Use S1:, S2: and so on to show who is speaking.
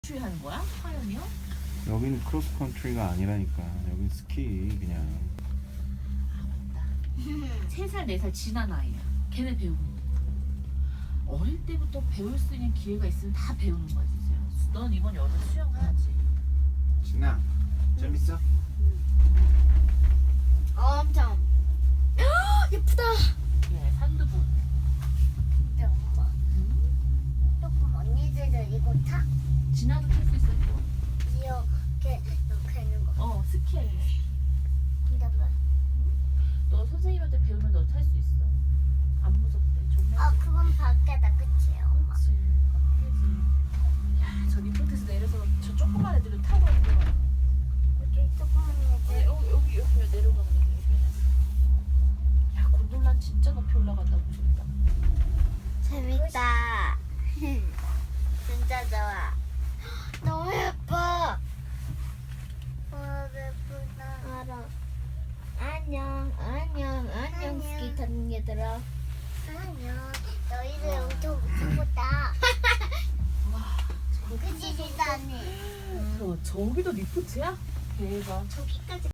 S1: 하는 거야? 하연이요?
S2: 여기는 크로스 컨트리가 아니라니까. 여긴 스키 그냥.
S1: 아 맞다. 3살 4살 지난 아이야. 걔네 배우는 거. 어릴 때부터 배울 수 있는 기회가 있으면 다 배우는 거야 진짜. 넌 이번 여름 수영 가야지.
S2: 진아 재밌어?
S3: 엄청 예쁘다.
S1: 네, 산두부.
S3: 근데 엄마 조금 언니들도 이거 타?
S1: 진아도 탈 수 있어 이거.
S3: 이렇게 하는 거.
S1: 스키할 수 있어.
S3: 근데 왜?
S1: 너 선생님한테 배우면 너 탈 수 있어. 안 무섭대. 정말.
S3: 그건 밖에다 그치 엄마?
S1: 그렇지. 바뀌지. 야, 저 리포트에서 내려서 저 조그만 애들을 타고 가는 거야.
S3: 여기 조그만 애들.
S1: 여기 내려가는 애들. 야, 곤돌라 진짜 높이 올라간다고 좋다.
S3: 재밌다. 진짜 좋아. 너무 예뻐. 예쁘다. 알아. 안녕 스키 타는 얘들아. 안녕. 너희들 엄청 무섭다.
S1: 와,
S3: 그치 진짜네.
S1: 저기도 리포트야? 대박.
S3: 저기까지.